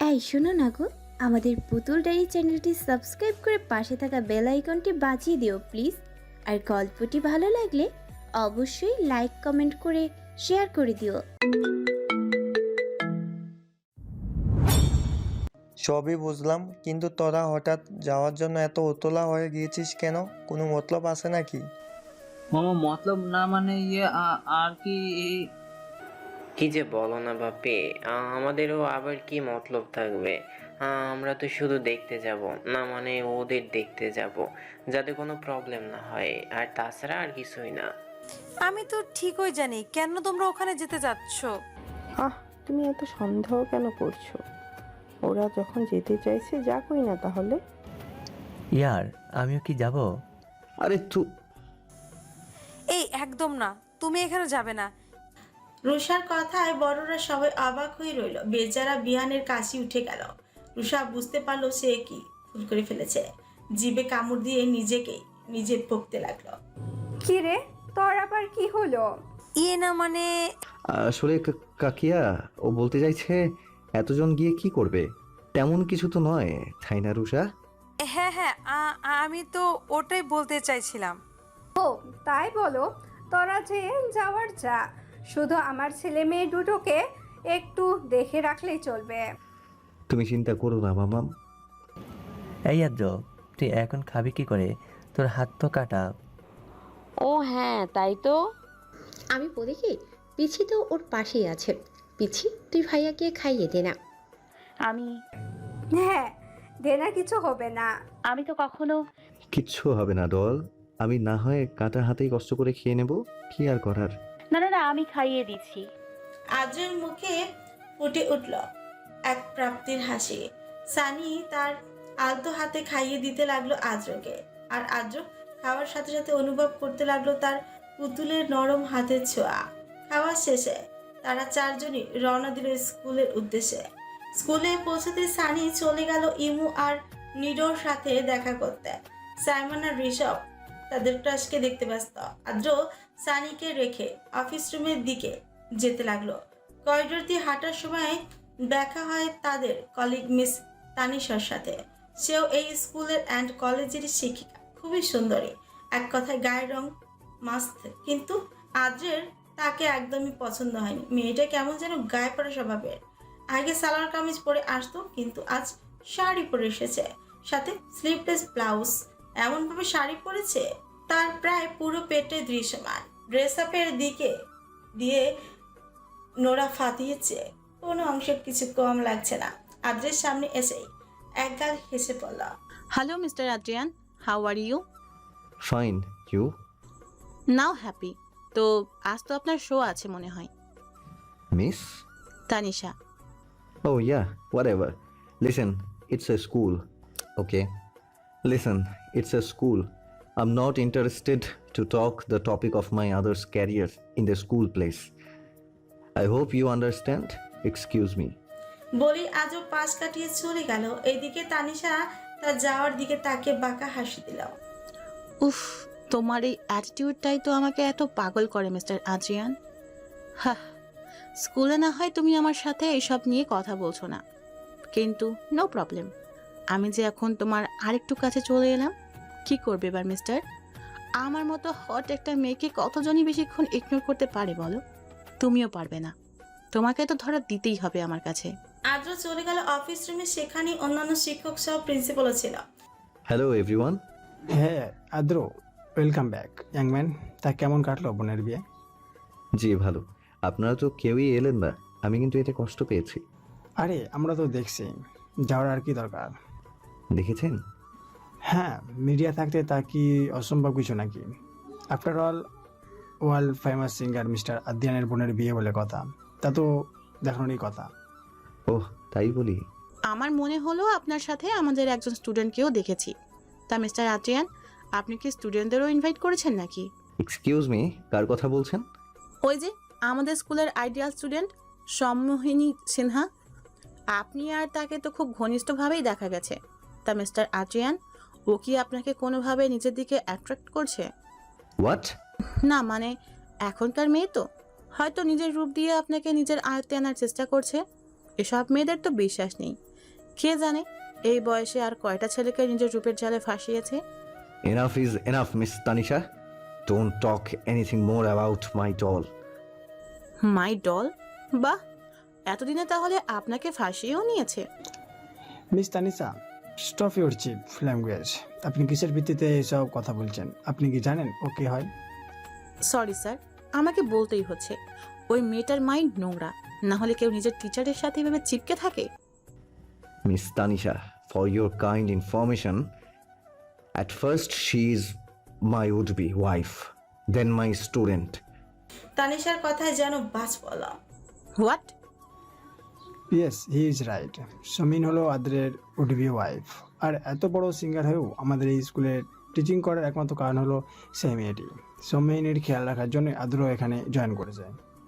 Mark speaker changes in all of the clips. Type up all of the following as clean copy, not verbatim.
Speaker 1: এই শোনো না গো, আমাদের পুতুল ডায়েরি চ্যানেলটি সাবস্ক্রাইব করে পাশে থাকা বেল আইকনটি বাজিয়ে দিও প্লিজ। আর গল্পটি ভালো লাগলে অবশ্যই লাইক কমেন্ট করে শেয়ার করে দিও।
Speaker 2: সবই বুঝলাম, কিন্তু তোরা হঠাৎ যাওয়ার জন্য এত উতলা হয়ে গিয়েছিস কেন? কোনো মতলব আছে নাকি?
Speaker 3: মামা মতলব না মানে আর কি
Speaker 4: কি যে বলো না বাপি, আমাদেরও আবার কি মতলব থাকবে? আমরা তো শুধু দেখতে যাব, না মানে ওদের দেখতে যাব, যাতে কোনো প্রবলেম না হয়, আর তাছাড়া আর কিছুই না।
Speaker 5: আমি তো ঠিকই জানি কেন তোমরা ওখানে যেতে যাচ্ছ।
Speaker 6: তুমি এত সন্দেহ কেন করছো? ওরা যখন যেতে চাইছে যাকই না তাহলে।
Speaker 7: ইয়ার আমিও কি যাব?
Speaker 8: আরে
Speaker 5: এই একদম না, তুমি এখানে যাবে না।
Speaker 9: রুষার কথায় বড়রা সবাই অবাক হয়ে রইল। বেচারা বিহানের কাশি উঠে গেল। রুষা বুঝতে পারলো সে কি ভুল করে ফেলেছে। জিভে কামড় দিয়ে নিজে বকতে লাগলো।
Speaker 10: কি রে, তোর আবার কি হলো?
Speaker 5: না মানে
Speaker 8: আসলে কাকিয়া, ও বলতে চাইছে এতজন গিয়ে কি করবে, তেমন কিছু তো নয়, তাই না রুষা?
Speaker 5: হ্যাঁ হ্যাঁ, আমি তো ওটাই বলতে চাইছিলাম।
Speaker 10: ও তাই বলো, তোরা যে যাওয়ার যা, শুধু আমার ছেলে মেয়ে দুটোকে একটু দেখে রাখলেই চলবে।
Speaker 8: তুমি চিন্তা করো না মামাম।
Speaker 7: এই আদ্র, তুই এখন খাবি কি করে? তোর হাত তো কাটা।
Speaker 6: ও হ্যাঁ তাই তো।
Speaker 1: আমি বলি কি, পিছি তো ওর পাশেই আছে। পিছি, তুই ভাইয়াকে খাইয়ে দে না।
Speaker 11: আমি
Speaker 10: হ্যাঁ, দেনা কিছু হবে না।
Speaker 11: আমি তো কখনো
Speaker 8: কিচ্ছু হবে না ডল, আমি না হয় কাটা হাতেই কষ্ট করে খেয়ে নেব, কি আর করার।
Speaker 11: না না না, আমি খাইয়ে দিচ্ছি।
Speaker 9: আদ্রের মুখে ফুটে উঠল এক প্রাপ্তির হাসি। সানি তার আলতো হাতে খাইয়ে দিতে লাগলো আদ্রকে, আর আদ্র খাওয়ার সাথে সাথে অনুভব করতে লাগলো তার পুতুলের নরম হাতের ছোঁয়া। খাওয়া শেষে তারা চারজনই রওনা দিল স্কুলের উদ্দেশ্যে। স্কুলে পৌঁছতে সানি চলে গেল ইমু আর নিডোর সাথে দেখা করতে। সাইমন আর ঋষভ তাদের ক্রাশকে দেখতে ব্যস্ত। আদ্র সানিকে রেখে অফিস রুমের দিকে যেতে লাগলো। করিডোর দিয়ে হাঁটার সময় দেখা হয় তাদের কলিগ মিস তানিশার সাথে। সেও এই স্কুলের অ্যান্ড কলেজের শিক্ষিকা, খুবই সুন্দরী, এক কথায় গায়ের রং মাস্ত। কিন্তু আদ্রের তাকে একদমই পছন্দ হয়নি। মেয়েটা কেমন যেন গায়ে পড়া স্বভাবের। আগে সালোয়ার কামিজ পরে আসতো, কিন্তু আজ শাড়ি পরে এসেছে, সাথে স্লিভলেস ব্লাউজ। এমনভাবে শাড়ি পরেছে তার প্রায় পুরো পেটে দৃশ্যমান। ড্রেস আপের দিকে দিয়ে নোরা ফাটিয়েছে, কোনো অংশে কিছু কম লাগছে না। আদ্রের সামনে এসেই একগাল হেসে পড়ল।
Speaker 12: Hello mister Adrian, how are you?
Speaker 8: Fine, you?
Speaker 12: Now happy. তো আজ তো আপনার শো আছে মনে হয়।
Speaker 8: Miss
Speaker 12: Tanisha.
Speaker 8: Oh yeah, whatever. Listen, it's a school. Okay? Listen, it's a school. I'm not interested to talk the topic of my other's career in the school place. I hope you understand. Excuse me.
Speaker 9: বলি আজও পাশ কাটিয়ে চলে গেল। এইদিকে তানিশা তার যাওয়ার দিকে তাকে বাঁকা হাসি দিল।
Speaker 12: উফ, তোমার এই অ্যাটিটিউডটাই তো আমাকে এত পাগল করে মিস্টার আদ্রিয়ান। হ্যাঁ, স্কুলে না হয় তুমি আমার সাথে এইসব নিয়ে কথা বলছো না, কিন্তু নো প্রবলেম। আমি যে এখন তোমার আরেকটু কাছে চলে এলাম, কি করবে এবার মিস্টার? আমার মতো হট একটা মেয়েকে কতজনই বেশিক্ষণ ইগনোর করতে পারে বলো? তুমিও পারবে না। তোমাকে তো ধরা দিতেই হবে আমার কাছে।
Speaker 9: আদ্র চলে গেল অফিস রুমে। সেখানে অন্যান্য শিক্ষক সহ প্রিন্সিপালও ছিল।
Speaker 8: Hello everyone.
Speaker 13: হ্যাঁ আদ্র, ওয়েলকাম ব্যাক ইয়াং ম্যান। তা কেমন কাটলো বোনের বিয়ে?
Speaker 8: জি ভালো, আপনারা তো কেউই এলেন না, আমি কিন্তু এতে কষ্ট পেয়েছি।
Speaker 13: আরে আমরা তো দেখছি, যাওয়ার আর কি দরকার।
Speaker 8: দেখেছেন?
Speaker 13: হ্যাঁ, মিডিয়া থাকতে তা কি অসম্ভব কিছু নাকি? After all world famous singer mister আদ্রিয়ানের বোনের বিয়ে বলে কথা, তা তো দেখানোরই কথা।
Speaker 8: ওহ তাই বলি?
Speaker 12: আমার মনে হলো আপনার সাথে আমাদের একজন স্টুডেন্টকেও দেখেছি। তা মিস্টার আদ্রিয়ান, আপনি কি স্টুডেন্টদেরও ইনভাইট করেছেন নাকি?
Speaker 8: এক্সকিউজ মি, কার কথা বলছেন?
Speaker 12: ওই যে আমাদের স্কুলের আইডিয়াল স্টুডেন্ট সম্মোহিনী সিনহা। আপনি আর তাকে তো খুব ঘনিষ্ঠভাবেই দেখা গেছে। তা মিস্টার আদ্রিয়ান, ও কি আপনাকে কোনোভাবে নিজের দিকে অ্যাট্রাক্ট করছে?
Speaker 8: হোয়াট?
Speaker 12: না মানে এখনকার মেয়ে তো হয়তো নিজের রূপ দিয়ে আপনাকে নিজের আয়ত্তে আনার চেষ্টা করছে। এসব মেয়েদের তো বিশ্বাস নেই, কে জানে এই বয়সে আর কয়টা ছেলেকে নিজের রূপের জালে ফাঁসিয়েছে।
Speaker 8: Enough is enough, Miss Tanisha. Don't talk anything more about my doll.
Speaker 12: My doll? বাহ, এতদিনে তাহলে আপনাকে ফাঁসিয়েও নিয়েছে।
Speaker 13: Miss Tanisa, stop your cheap language. আপনি কিসের ভিত্তিতে এসব কথা বলছেন? আপনি কি জানেন ও কে হয়?
Speaker 12: সরি স্যার, আমাকে বলতেই হচ্ছে। ওই মেয়েটার মাইন্ড নোংরা, না হলে কেউ নিজের টিচারের সাথে এভাবে চিপকে থাকে?
Speaker 8: Miss Tanisha, for your kind information, at first she is my would-be wife, then my student.
Speaker 9: তানিশার কথায় যেন বাজ পড়ল।
Speaker 12: What?
Speaker 13: Yes, he is right. Sameen হলো আদ্রের উডবি ওয়াইফ। আর এত বড় সিঙ্গার হয়েও আমাদের এই স্কুলে টিচিং করার একমাত্র কারণ হলো সেই মেয়েটি। সমীনের খেয়াল রাখার জন্য আদ্রও এখানে জয়েন করেছে।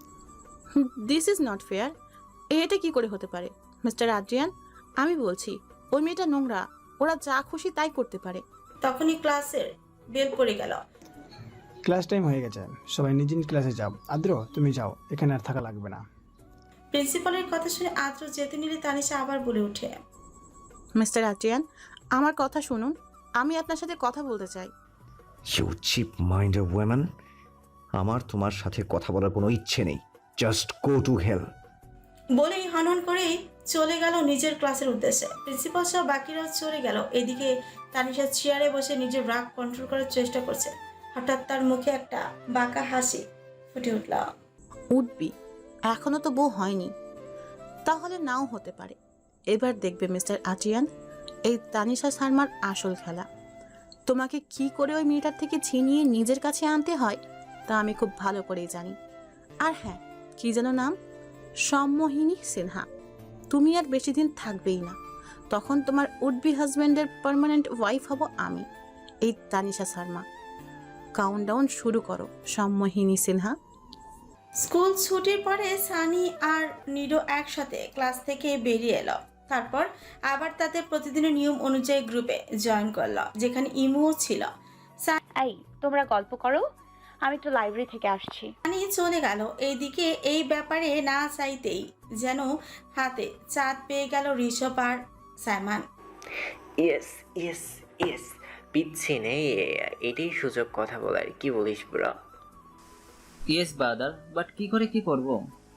Speaker 12: This is not fair. এটা কি করে হতে পারে মিস্টার আদ্রিয়ান? আমি বলছি ওই মেয়েটা নোংরা, ওরা যা খুশি তাই করতে পারে।
Speaker 9: তখনই ক্লাসের বেল পড়ে গেল।
Speaker 13: ক্লাস টাইম হয়ে গেছে, সবাই নিজ নিজ ক্লাসে যাও। আদ্র, তুমি যাও, এখানে আর থাকা লাগবে না।
Speaker 9: প্রিন্সিপালের কথা শুনে আদ্র যেতে নিলে তানিশা আবার বলে ওঠে,
Speaker 12: মিস্টার আদ্রিয়ান, আমার কথা শুনুন, আমি আপনার সাথে কথা বলতে চাই।
Speaker 8: You cheap-minded woman. আমার তোমার সাথে কথা বলার কোনো ইচ্ছে নেই। Just go to hell.
Speaker 9: বলেই হনহন করেই চলে গেল নিজের ক্লাসের উদ্দেশ্যে। প্রিন্সিপাল সহ বাকিরাও চলে গেল। এদিকে তানিশা চেয়ারে বসে নিজের রাগ কন্ট্রোল করার চেষ্টা করছে। হঠাৎ তার মুখে একটা বাঁকা হাসি ফুটে উঠল।
Speaker 12: উঠবি, এখনো তো বউ হয়নি, তাহলে নাও হতে পারে। এবার দেখবে মিস্টার আদ্রিয়ান, এই তানিশা শর্মার আসল খেলা। তোমাকে কি করে ওই মেয়েটার থেকে ছিনিয়ে নিজের কাছে আনতে হয় তা আমি খুব ভালো করেই জানি। আর হ্যাঁ, কি যেন নাম? সম্মোহিনী সিনহা। তুমি আর বেশি দিন থাকবেই না, তখন তোমার উডবি হাজব্যান্ডের পার্মানেন্ট ওয়াইফ হব আমি, এই তানিশা শর্মা। কাউন্টডাউন শুরু করো সম্মোহিনী সিনহা।
Speaker 9: স্কুল ছুটির পরে সানি আর নিডো একসাথে ক্লাস থেকে বেরিয়ে এলো। তারপর আবার তাদের প্রতিদিনের নিয়ম অনুযায়ী গ্রুপে জয়েন করলো, যেখানে ইমুও ছিল।
Speaker 11: এই তোমরা গল্প করো, আমি তো লাইব্রেরি থেকে আসছি।
Speaker 9: সানি চলে গেল। এইদিকে এই ব্যাপারে না চাইতেই যেন হাতে চাঁদ পেয়ে গেল ঋষভ আর সাইমান।
Speaker 4: ইয়েস ইয়েস ইয়েস, পিচ্ছি নেই, এটাই সুযোগ কথা বলার। কি বলিস ব্রো?
Speaker 3: ইয়েস ব্রাদার, বাট কি করে কি করব?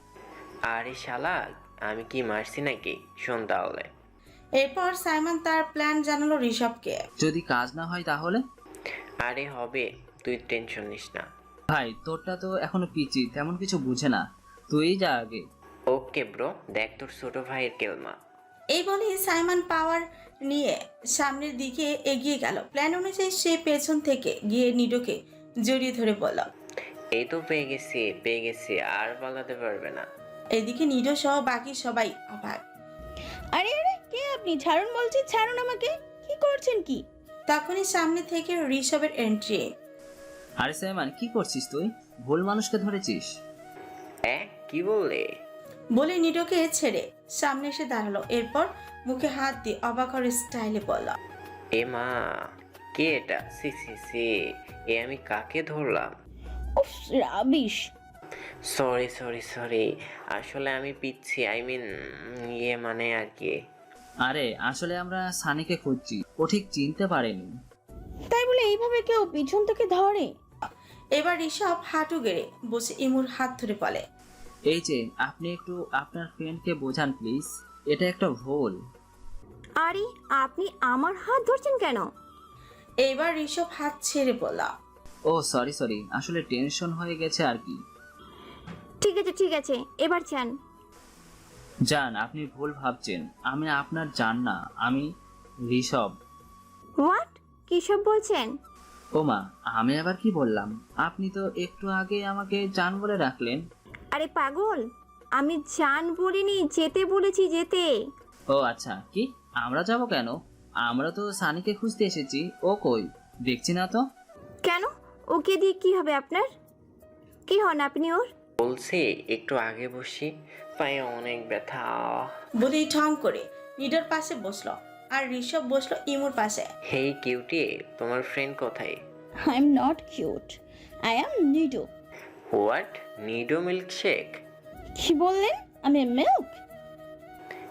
Speaker 4: আরে শালা, আমি কি মারছি নাকি? শোন তাহলে।
Speaker 9: এরপর সাইমান তার প্ল্যান জানালো ঋষভকে।
Speaker 3: যদি কাজ না হয় তাহলে?
Speaker 4: আরে হবে, তুই টেনশন নিস না।
Speaker 3: ভাই তোরটা তো এখনো পিচি, তেমন কিছু বুঝে না, তুই যা আগে।
Speaker 4: ওকে ব্রো, দেখ তোর ছোট ভাইয়ের কেলমা।
Speaker 9: এই বলে সাইমান পাওয়ার নিয়ে সামনের দিকে এগিয়ে গেল। প্ল্যান অনুযায়ী সে পেছন থেকে গিয়ে নিডোকে জড়িয়ে ধরে বলল,
Speaker 4: এই তো পেয়ে গেছি, আর পালাতে পারবে না।
Speaker 9: এদিকে নিডো সহ বাকি সবাই অবাক।
Speaker 1: আরে আরে, কে আপনি? ছাড়ুন বলছি, ছাড়ুন আমাকে। কি করছেন কি?
Speaker 9: তখনই সামনে থেকে ঋষভের এন্ট্রি।
Speaker 3: আরে সাইমান, কি করছিস তুই? ভুল মানুষকে ধরেছিস।
Speaker 4: কি বললে?
Speaker 9: বলে নিডোকে ছেড়ে সামনে এসে দাঁড়ালো। এরপর মুখে হাত দিয়ে অবাক হওয়ার স্টাইলে বলল,
Speaker 4: এ মা, কে এটা? সি সি সি, এ আমি কাকে ধরলাম?
Speaker 1: উফ, রাবিশ।
Speaker 4: সরি, আসলে আমি পিচ্ছি, আই মিন মানে আর কি।
Speaker 3: আরে আসলে আমরা সানিকে খুঁজছি, ও ঠিক চিনতে পারেনি।
Speaker 1: তাই বলে এইভাবে কেউ পিছন থেকে ধরে?
Speaker 9: এবার ঋষভ হাঁটু গেড়ে বসে ইমুর হাত ধরে বলে,
Speaker 3: এই যে আপনি একটু আপনার ফ্রেন্ডকে বোঝান প্লিজ, এটা একটা ভুল।
Speaker 1: আরে আপনি আমার হাত ধরছেন কেন?
Speaker 9: এইবার ঋষভ হাত ছেড়ে বলল,
Speaker 3: ও সরি, আসলে টেনশন হয়ে গেছে আর কি।
Speaker 1: ঠিক আছে, এবার চান।
Speaker 3: জান, আপনি ভুল ভাবছেন, আমি আপনার জান না, আমি ঋষভ।
Speaker 1: হোয়াট? কি সব বলছেন?
Speaker 3: ও মা, আমি আবার কি বললাম? আপনি তো একটু আগে আমাকে জান বলে রাখলেন।
Speaker 1: আরে পাগল, আমি জান বলিনি, যেতে বলেছি, যেতে।
Speaker 3: ও আচ্ছা, কি আমরা যাব কেন? আমরা তো সানিকে খুঁজতে এসেছি, ও কই দেখছি না তো।
Speaker 1: কেন? ওকে দিয়ে কি হবে আপনার? কি হন আপনি ওর?
Speaker 4: বলছি একটু আগে বসি, পায়ে অনেক ব্যথা।
Speaker 9: বলেই ঠং করে নিডোর পাশে বসলো আর ঋষভ বসলো ইমুর পাশে।
Speaker 4: হেই কিউটি, তোমার ফ্রেন্ড কোথায়?
Speaker 1: I am not cute, I am Nido.
Speaker 4: What? Nido milkshake?
Speaker 1: কি বললেন? আমি মিল্ক?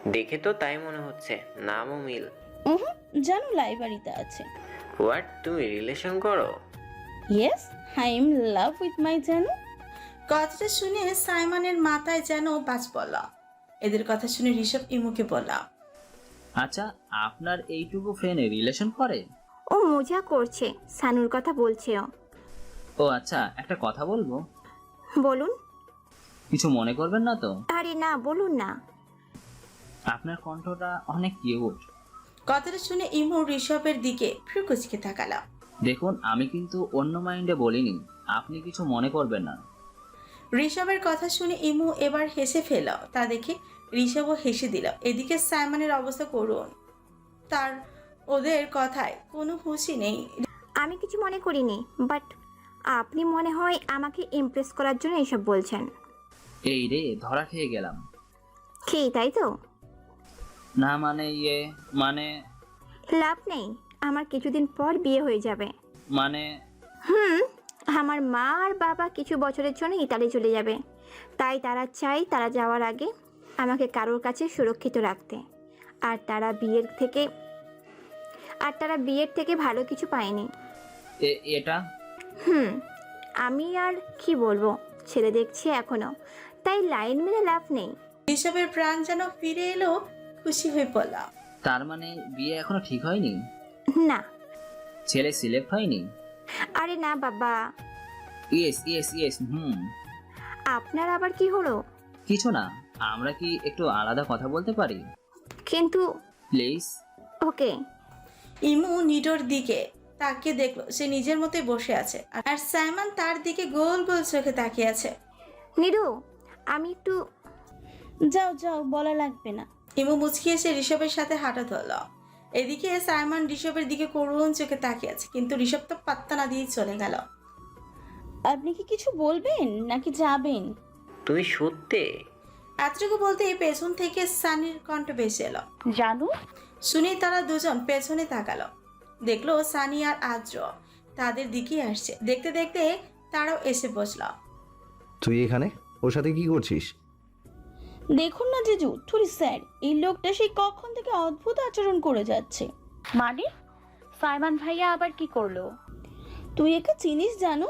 Speaker 4: দেখে তো তাই মনে হচ্ছে, নামও মিল।
Speaker 1: জানু লাইব্রেরিতে আছে।
Speaker 4: হোয়াট, তুমি রিলেশন করো?
Speaker 1: Yes, I am love with my জানু।
Speaker 9: কথাটা শুনে সাইমনের মাথায় যেন বাজ পড়ল। এদের কথা শুনে ঋষভ ইমুকে বলল,
Speaker 3: আচ্ছা, আপনার এইটুকু ফ্রেন্ড রিলেশন করে?
Speaker 1: ও মজা করছে, সানুর কথা বলছে ও।
Speaker 3: ও আচ্ছা, একটা কথা বলবো?
Speaker 1: বলুন।
Speaker 3: কিছু মনে করবেন না তো?
Speaker 1: আরে না, বলুন না।
Speaker 3: আপনার কণ্ঠটা অনেক কিউট।
Speaker 9: কথাটা শুনে ইমু ঋষভের দিকে ফ্রুকুচকে তাকালো।
Speaker 3: দেখুন, আমি কিন্তু অন্য মাইন্ডে বলিনি, আপনি কিছু মনে করবেন না।
Speaker 9: ঋষভের কথা শুনে ইমু এবার হেসে ফেল। তা দেখে ঋষভও হেসে দিল। এদিকে সাইমনের অবস্থা করুন, তার ওদের কথায় কোনো খুশি নেই।
Speaker 1: আমি কিছু মনে করিনি, বাট আপনি মনে হয় আমাকে ইমপ্রেস করার জন্য এসব বলছেন।
Speaker 3: এই রে, ধরা খেয়ে গেলাম।
Speaker 1: কি তাই তো?
Speaker 3: না মানে মানে
Speaker 1: লাভ নেই, আমার কিছুদিন পর বিয়ে হয়ে যাবে।
Speaker 3: মানে
Speaker 1: আমার মা আর বাবা কিছু বছরের জন্য ইতালি চলে যাবে, তাই তারা চাই তারা যাওয়ার আগে আমাকে কারোর কাছে সুরক্ষিত রাখতে। আর তারা বিয়ের থেকে ভালো কিছু পায়নি।
Speaker 3: এটা
Speaker 1: আমি আর কি বলবো, ছেলে দেখছি এখনো, তাই লাইন মেনে লাভ নেই।
Speaker 9: ঋষভের প্রাণ যেন ফিরে এলো, খুশি হয়ে পড়ল।
Speaker 3: তার মানে বিয়ে এখনো ঠিক হয়নি?
Speaker 1: না।
Speaker 3: ছেলে সিলেক্ট হয়নি?
Speaker 1: আরে না বাবা।
Speaker 3: Yes yes yes.
Speaker 1: আপনার আবার কি হলো?
Speaker 3: কিছু না, আমরা কি একটু আলাদা কথা বলতে পারি
Speaker 1: কিন্তু
Speaker 3: প্লিজ?
Speaker 1: ওকে।
Speaker 9: ইমু নিডোর দিকে তাকিয়ে দেখলো সে নিজের মতোই বসে আছে, আর সাইমন তার দিকে গোল গোল চোখে তাকিয়ে আছে।
Speaker 1: নিডু, আমি একটু। যাও যাও, বলা লাগবে না।
Speaker 9: ইমু মুচকি এসে ঋষভের সাথে হাঁটা ধরল। এদিকে সাইমন ঋষভের দিকে করুণ চোখে তাকিয়ে আছে, কিন্তু ঋষভ তো পাত্তা না দিয়ে চলে গেল।
Speaker 1: আপনি কি কিছু বলবেন নাকি যাবেন?
Speaker 4: তুমি সত্যি?
Speaker 9: এতটুকু বলতে পেছন থেকে সানির কণ্ঠ ভেসে এলো।
Speaker 11: জানু।
Speaker 9: শুনেই তারা দুজন পেছনে তাকালো, দেখলো সানি আর আদ্র তাদের দিকে আসছে। দেখতে দেখতে তারাও এসে বসলো।
Speaker 8: তুই এখানে ওর সাথে কি করছিস?
Speaker 1: দেখুন না জিজু, থুরি স্যার, এই লোকটা সেই কখন থেকে অদ্ভুত আচরণ করে যাচ্ছে।
Speaker 11: মানে সাইমন ভাইয়া আবার কি করলো?
Speaker 1: তুই একে চিনিস জানু?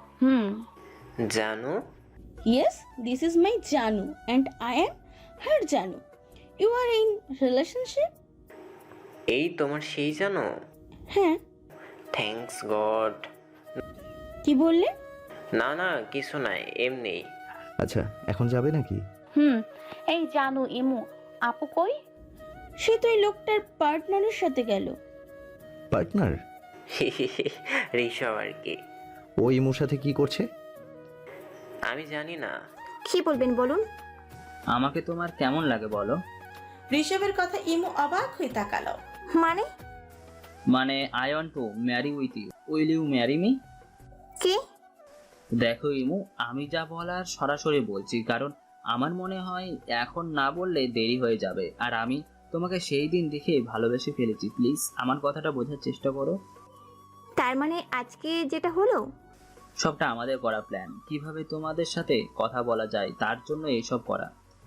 Speaker 4: জানু?
Speaker 1: ইয়েস, দিস ইজ মাই জানু অ্যান্ড আই এম হার জানু। You are in relationship?
Speaker 4: এই তোমার সেই জানো?
Speaker 1: হ্যাঁ।
Speaker 4: Thanks god.
Speaker 1: কি বললে?
Speaker 4: না না, কিছু নাই, এমনি।
Speaker 8: আচ্ছা, এখন যাবে নাকি?
Speaker 11: এই জানু, ইমু আপু কই?
Speaker 1: সে তো এই লোকটার পার্টনারের সাথে গেল।
Speaker 8: পার্টনার?
Speaker 4: ঋষভ আর কি।
Speaker 8: ও ইমুর সাথে কি করছে?
Speaker 4: আমি জানি না।
Speaker 1: কি বলবেন বলুন।
Speaker 3: আমাকে তোমার কেমন লাগে বলো?
Speaker 9: ঋষভের কথা ইমু অবাক হয়ে তাকালো।
Speaker 3: মানে I want to marry with you, will you marry me?
Speaker 1: কি?
Speaker 3: দেখো ইমু, আমি যা বলার সরাসরি বলছি, কারণ আমার মনে হয় এখন না বললে দেরি হয়ে যাবে, আর আমি তোমাকে সেই দিন দেখে ভালোবেসে ফেলেছি। প্লিজ আমার কথাটা বোঝার চেষ্টা করো।
Speaker 1: তার মানে আজকে যেটা হলো
Speaker 3: সবটা আমাদের করা প্ল্যান, কিভাবে তোমাদের সাথে কথা বলা যায় তার জন্য এইসব করা।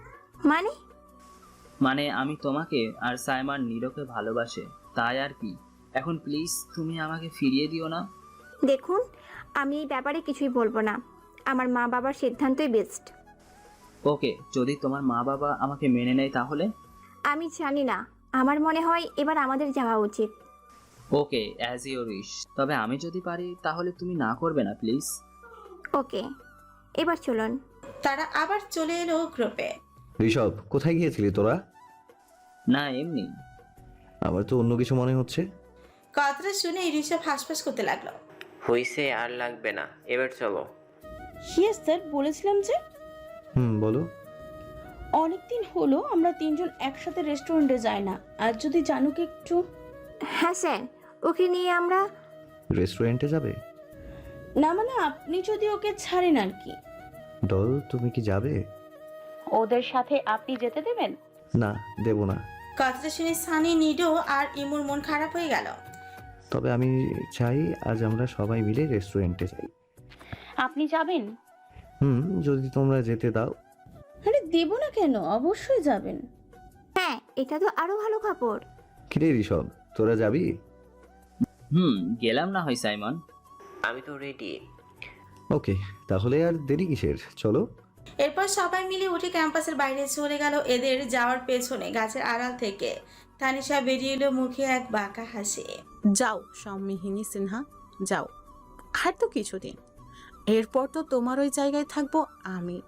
Speaker 3: মানে আমি তোমাকে আর সাইমন নিরোকে ভালোবাসে, তাই আর কি। এখন প্লিজ তুমি আমাকে ফিরিয়ে দিও না।
Speaker 1: দেখুন, আমি এই ব্যাপারে কিছুই বলবো না, আমার মা বাবার সিদ্ধান্তই বেস্ট।
Speaker 3: ওকে, যদি তোমার মা বাবা আমাকে মেনে নেয় তাহলে?
Speaker 1: আমি জানি না, আমার মনে হয় এবার আমাদের যাওয়া উচিত।
Speaker 3: Okay, as your wish. তবে আমি যদি পারি তাহলে তুমি না করবে না প্লিজ?
Speaker 1: ওকে, এবার চলুন।
Speaker 9: তারা আবার চলে এলো গ্রুপে।
Speaker 8: ঋষভ, কোথায় গিয়েছিলি তোরা?
Speaker 3: না এমনি।
Speaker 8: আমার তো অন্য কিছু মনে হচ্ছে।
Speaker 9: কথাটা শুনে ঋষভ হাসপাস করতে লাগলো।
Speaker 4: হইছে, আর লাগবে না, এবার চলো।
Speaker 1: ইয়েস স্যার, বলেছিলাম যে।
Speaker 8: বলো।
Speaker 1: অনেকদিন হলো আমরা তিনজন একসাথে রেস্টুরেন্টে যাই না, আর যদি জানুকে একটু। হ্যাঁ স্যার, ওকে নিয়ে আমরা
Speaker 8: রেস্টুরেন্টে যাবে?
Speaker 1: না মানে আপনি যদি ওকে ছাড়েন আর কি।
Speaker 8: ডল, তুমি কি যাবে?
Speaker 11: ওদের সাথে আপনি যেতে দেবেন?
Speaker 8: না, দেব না।
Speaker 9: কথাটা শুনে সানি, নিডো আর ইমুর মন খারাপ হয়ে গেল।
Speaker 8: তবে আমি চাই আজ আমরা সবাই মিলে রেস্টুরেন্টে যাই।
Speaker 11: আপনি যাবেন?
Speaker 8: যদি তোমরা যেতে দাও।
Speaker 1: আরে দেব না কেন, অবশ্যই যাবেন। হ্যাঁ, এটা তো আরো ভালো খবর।
Speaker 8: কিরে ঋষভ, তোরা যাবি?
Speaker 3: গেলাম না হয় সাইমন।
Speaker 4: আমি তো রেডি।
Speaker 8: ওকে, তাহলে আর দেরি কিসের, চলো।
Speaker 9: এরপর সবাই মিলে উঠে ক্যাম্পাসের বাইরে চলে গেল। এদের যাওয়ার পেছনে গাছের আড়াল থেকে তানিশা বেরিয়ে এলো, মুখে এক বাঁকা হাসি।
Speaker 12: যাও সম্মিহিনী সিনহা, যাও। আর তো কিছুদিন, এরপর তো তোমার ওই জায়গায় থাকবো আমি।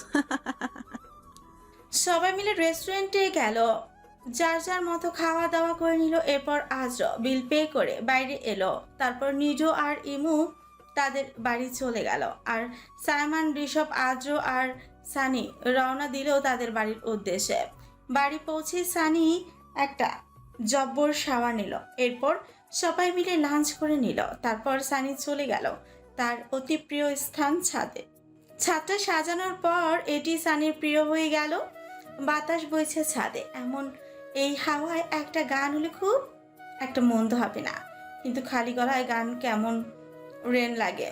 Speaker 9: সবাই মিলে রেস্টুরেন্টে গেল, যার যার মতো খাওয়া দাওয়া করে নিল। এরপর আজর বিল পে করে বাইরে এলো। তারপর নিজো আর ইমু তাদের বাড়ি চলে গেল, আর সাইমন, ঋষভ, আদ্র আর সানি রওনা দিল তাদের বাড়ির উদ্দেশ্যে। বাড়ি পৌঁছে সানি একটা জব্বর শাওয়ার নিল। এরপর সবাই মিলে লাঞ্চ করে নিল। তারপর সানি চলে গেল তার অতি প্রিয় স্থান ছাদে। ছাদটা সাজানোর পর এটি সানির প্রিয় হয়ে গেল। বাতাস বইছে ছাদে, এমন এই হাওয়ায় একটা গান হলে খুব একটা মন্দ হবে না, কিন্তু খালি গলায় গান কেমন রেন লাগে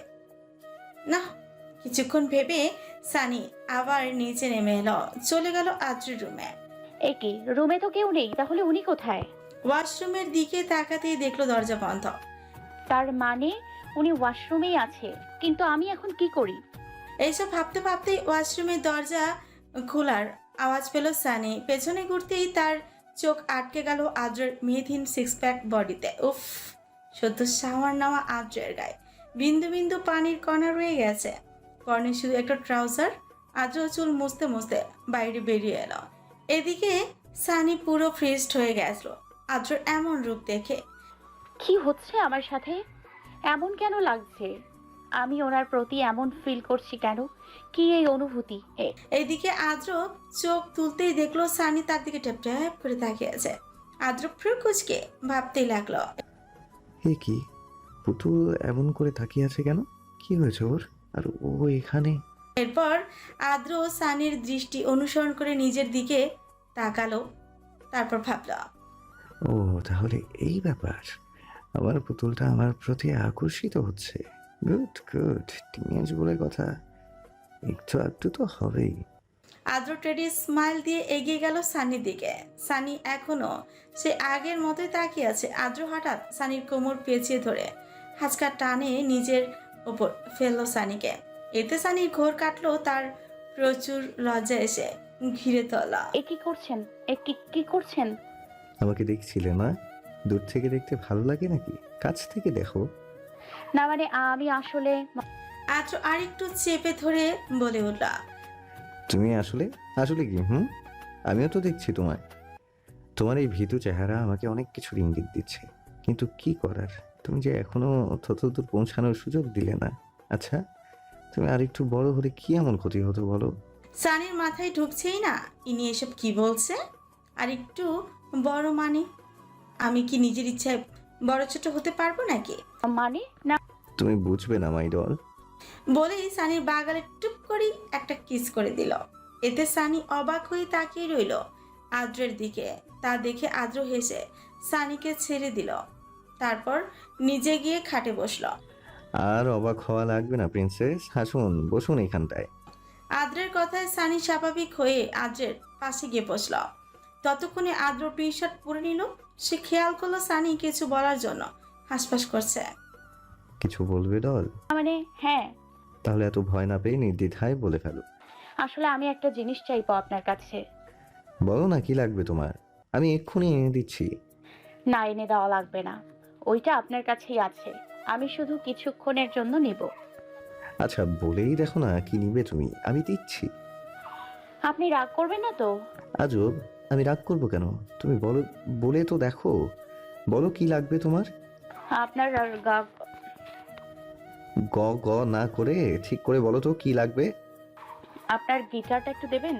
Speaker 9: না। কিছুক্ষণ ভেবে সানি আবার নিচে নেমে এলো, চলে গেল আদ্রির রুমে।
Speaker 11: এ কি, রুমে তো কেউ নেই, তাহলে উনি কোথায়?
Speaker 9: ওয়াশরুমের দিকে তাকাতেই দেখলো দরজা বন্ধ।
Speaker 11: তার মানে উনি ওয়াশরুমেই আছে, কিন্তু আমি এখন কি করি?
Speaker 9: এইসব ভাবতে ভাবতেই ওয়াশরুমের দরজা খোলার আওয়াজ পেল সানি। পেছনে ঘুরতেই তার চোখ আটকে গেল আদ্রের মেয়েধীন সিক্স প্যাক বডিতে। উফ, সদ্য শাওয়ার নেওয়া আদ্রের গায়ে বিন্দু বিন্দু পানির কণা রয়ে গেছে। কর্নে শুধু একটা ট্রাউজার। আদ্র চুল মুছতে মুছতে বাইরে বেরিয়ে এলো। এদিকে সানি পুরো ফ্রিজড হয়ে গেছিল আদ্রের এমন রূপ দেখে।
Speaker 11: কি হচ্ছে আমার সাথে? এমন কেন লাগছে? আমি ওনার প্রতি এমন ফিল করছি কেন? কি এই অনুভূতি?
Speaker 9: এইদিকে আদ্র চোখ তুলতেই দেখলো সানি তার দিকে ট্যাপ ট্যাপ করে তাকিয়ে আছে। আদ্র কুচকে ভাবতেই লাগলো,
Speaker 8: এ কি, পুতুল এমন করে তাকিয়ে আছে কেন? কি হয়েছে ওর? আর ও এখানে?
Speaker 9: এরপর আদ্র সানির দৃষ্টি অনুসরণ করে নিজের দিকে তাকালো। তারপর ভাবল,
Speaker 8: ও তাহলে এই ব্যাপার, আমার পুতুলটা আমার প্রতি আকর্ষিত হচ্ছে। গুড গুড, টিনেজ বলে কথা, একটু একটু তো হবেই।
Speaker 9: আদ্র টেডি স্মাইল দিয়ে এগিয়ে গেল সানির দিকে। সানি এখনো সে আগের মতোই তাকিয়ে আছে। আদ্র হঠাৎ সানির কোমর পেঁচিয়ে ধরে হাঁচকা টানে নিজের ওপর ফেললো সানিকে। এতে সানির ঘোর কাটলো, তার প্রচুর লজ্জা এসে ঘিরে তোলা।
Speaker 11: এ কি করছেন? কি করছেন?
Speaker 8: আমাকে দেখছিলে না? দূর থেকে দেখতে ভালো লাগে নাকি? কাছ থেকে দেখো।
Speaker 11: না মানে আমি আসলে
Speaker 9: আদ্র আরেকটু চেপে ধরে বলে উঠল,
Speaker 8: তুমি আসলে আসলে কি? আমিও তো দেখছি তোমায়। তোমার এই ভীতু চেহারা আমাকে অনেক কিছুর ইঙ্গিত দিচ্ছে, কিন্তু কি করার, তুমি যে এখনো ততদূর পৌঁছানোর সুযোগ দিলে না। আচ্ছা, তুমি আরেকটু বড় হলে কি এমন ক্ষতি হতো বলো?
Speaker 9: সানির মাথায় ঢুকছেই না ইনি এসব কি বলছে। আর একটু বড় মানে আমি কি নিজের ইচ্ছায় বড় ছোট হতে পারবো নাকি?
Speaker 11: মানে না।
Speaker 8: তুমি বুঝবে না মাই ডল।
Speaker 9: বলেই সানির বাগালে টুপ করে একটা কিস করে দিল। এতে সানি অবাক হয়ে তাকিয়ে রইল আদ্রের দিকে। তা দেখে আদ্র হেসে সানিকে ছেড়ে দিল। তারপর নিজে গিয়ে খাটে বসল।
Speaker 8: আর অবাক হওয়া লাগবে না প্রিন্সেস, হাসুন, বসুন এখানটায়।
Speaker 9: আদ্রের কথায় সানি স্বাভাবিক হয়ে আদ্রের পাশে গিয়ে বসল। ততক্ষণে আদ্র টি শার্ট পরে নিল। সে খেয়াল করলো সানি কিছু বলার জন্য হাসপাস করছে।
Speaker 8: কিছু বলবে ডল?
Speaker 11: মানে হ্যাঁ।
Speaker 8: তাহলে এত ভয় না পেয়ে নির্দ্বিধায় বলে ফেলো।
Speaker 11: আসলে আমি একটা জিনিস চাইবো আপনার কাছে।
Speaker 8: বলো না, কি লাগবে তোমার? আমি এক্ষুনি এনে দিচ্ছি।
Speaker 11: না, এনে দেওয়া লাগবে না, ওইটা আপনার কাছেই আছে। আমি শুধু কিছুক্ষণের জন্য নিব।
Speaker 8: আচ্ছা বলেই দেখো না কি নিবে তুমি, আমি দিচ্ছি।
Speaker 11: আপনি রাগ করবেন না তো?
Speaker 8: আজব, আমি রাগ করবো কেন? তুমি বলো, বলে তো দেখো, বলো কি লাগবে তোমার।
Speaker 11: আপনার
Speaker 8: গ গ না করে ঠিক করে বলো তো কি লাগবে।
Speaker 11: আপনার গিটারটা একটু দেবেন?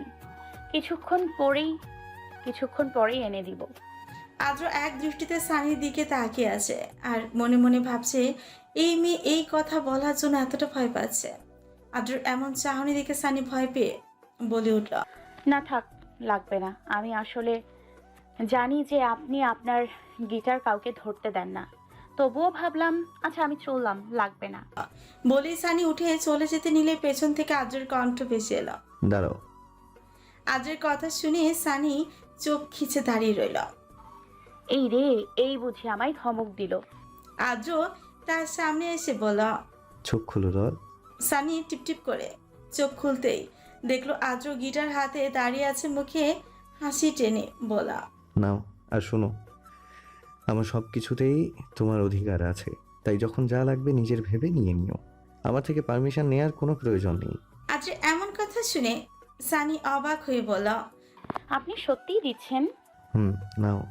Speaker 11: কিছুক্ষণ পরেই এনে দিব।
Speaker 9: আদ্র এক দৃষ্টিতে সানির দিকে তাকিয়ে আছে আর মনে মনে ভাবছে এই মেয়ে এই কথা বলার জন্য এতটা ভয় পাচ্ছে। আদ্রর এমন চাহনি দেখে সানি ভয় পেয়ে বলে উঠল,
Speaker 11: না থাক, লাগবে না। আমি আসলে জানি যে আপনি আপনার গিটার কাউকে ধরতে দেন না, তবুও ভাবলাম আচ্ছা আমি চললাম, লাগবে না।
Speaker 9: বলেই সানি উঠে চলে যেতে নিলে পেছন থেকে আদ্রের কণ্ঠ ভেসে এলো।
Speaker 8: দাঁড়াও।
Speaker 9: আদ্রের কথা শুনে সানি চোখ খিচে দাঁড়িয়ে রইল।
Speaker 11: এই রে, এই বুঝি আমায় ধমক দিল।
Speaker 9: আদ্র তার সামনে এসে বলল।
Speaker 8: চোখ খুলো ডল।
Speaker 9: সানি টিপটিপ করে চোখ খুলতেই দেখলো আদ্র গিটার হাতে দাঁড়িয়ে আছে, মুখে হাসি টেনে বলা।
Speaker 8: নাও আর শোনো, আমার সব কিছুতেই তোমার অধিকার আছে, তাই যখন যা লাগবে নিজের ভেবে নিয়ে নিও। আমার থেকে পারমিশন নেওয়ার কোনো প্রয়োজন নেই।
Speaker 9: আদ্র এমন কথা শুনে সানি অবাক হয়ে বলল।
Speaker 11: আপনি সত্যিই দিচ্ছেন?
Speaker 8: নাও।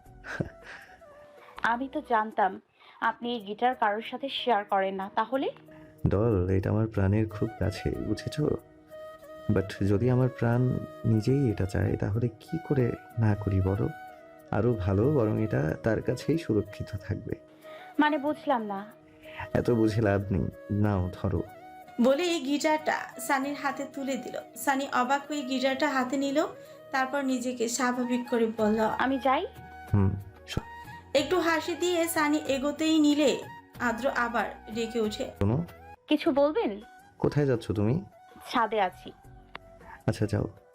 Speaker 11: আমি তো জানতাম আপনি এই গিটার কারোর সাথে শেয়ার করেন না। তাহলে
Speaker 8: ডল, এটা আমার প্রাণের খুব কাছে, বুঝেছো? বাট যদি আমার প্রাণ নিজেই এটা চায় তাহলে কি করে না করি বলো? আরো ভালো, বরং এটা তার কাছেই সুরক্ষিত থাকবে।
Speaker 11: মানে বুঝলাম না।
Speaker 8: এত বুঝে লাভ নেই, নাও ধরো।
Speaker 9: বলে এই গিটারটা সানির হাতে তুলে দিল। সানি অবাক হয়ে গিটারটা হাতে নিল, তারপর নিজেকে স্বাভাবিক করে বলল।
Speaker 11: আমি যাই।
Speaker 9: একটু হাসি দিয়ে সানি এগোতেই নিলে আদ্র আবার ডেকে ওঠে।
Speaker 8: শোনো।
Speaker 11: কিছু বলবেন?
Speaker 8: কোথায় যাচ্ছ তুমি?
Speaker 11: ছাদে আছি।
Speaker 8: আচ্ছা যাও।